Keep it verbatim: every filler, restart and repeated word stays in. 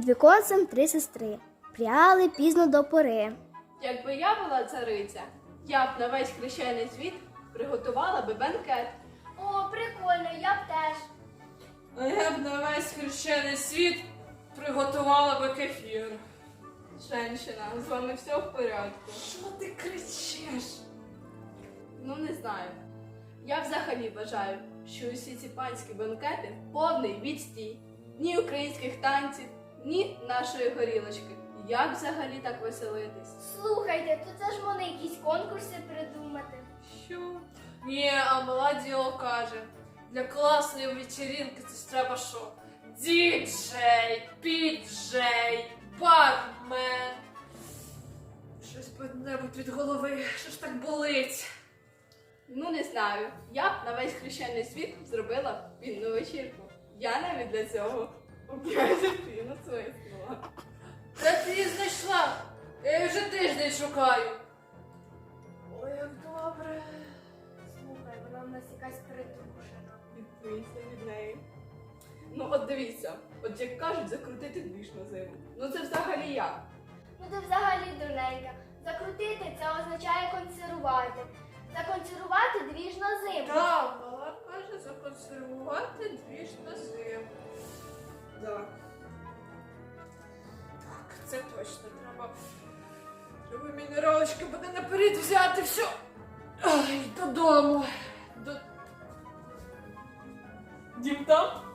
віконцем три сестри пряли пізно до пори. Якби я була цариця, я б на весь хрещений світ приготувала би бенкет. О, прикольно, я б теж. А я б на весь хрещений світ приготувала би кефір. Женщина, з вами все в порядку. Що ти кричиш? Ну, не знаю. Я взагалі вважаю, що усі ці панські бенкети повний відстій. Ні українських танців, ні нашої горілочки. Як взагалі так веселитись? Слухайте, то це ж можна якісь конкурси придумати. Що? Ні, а мала діло каже, для класної вечірінки це ж треба що? Діджей, піджей, бармен. Щось небудь від голови, що ж так болить? Ну, не знаю. Я б на весь хрещений світ зробила вінну вечірку. Я навіть для цього у князя піну свиснула. Де ти її знайшла? Я її вже тиждень шукаю. Ой, як добре. Слухай, вона в нас якась притрушена. Відбийся від неї. Ну, от дивіться, от як кажуть, закрутити двіж на зиму. Ну це взагалі як? Ну ти взагалі дурненька. Закрутити це означає консервувати. Законсервувати двіж на зиму. Так, мала каже, законсервувати двіж на зиму. Так. Так, це точно треба. Треба мінералочки буде наперед взяти все. Ай, додому. До... Дім там?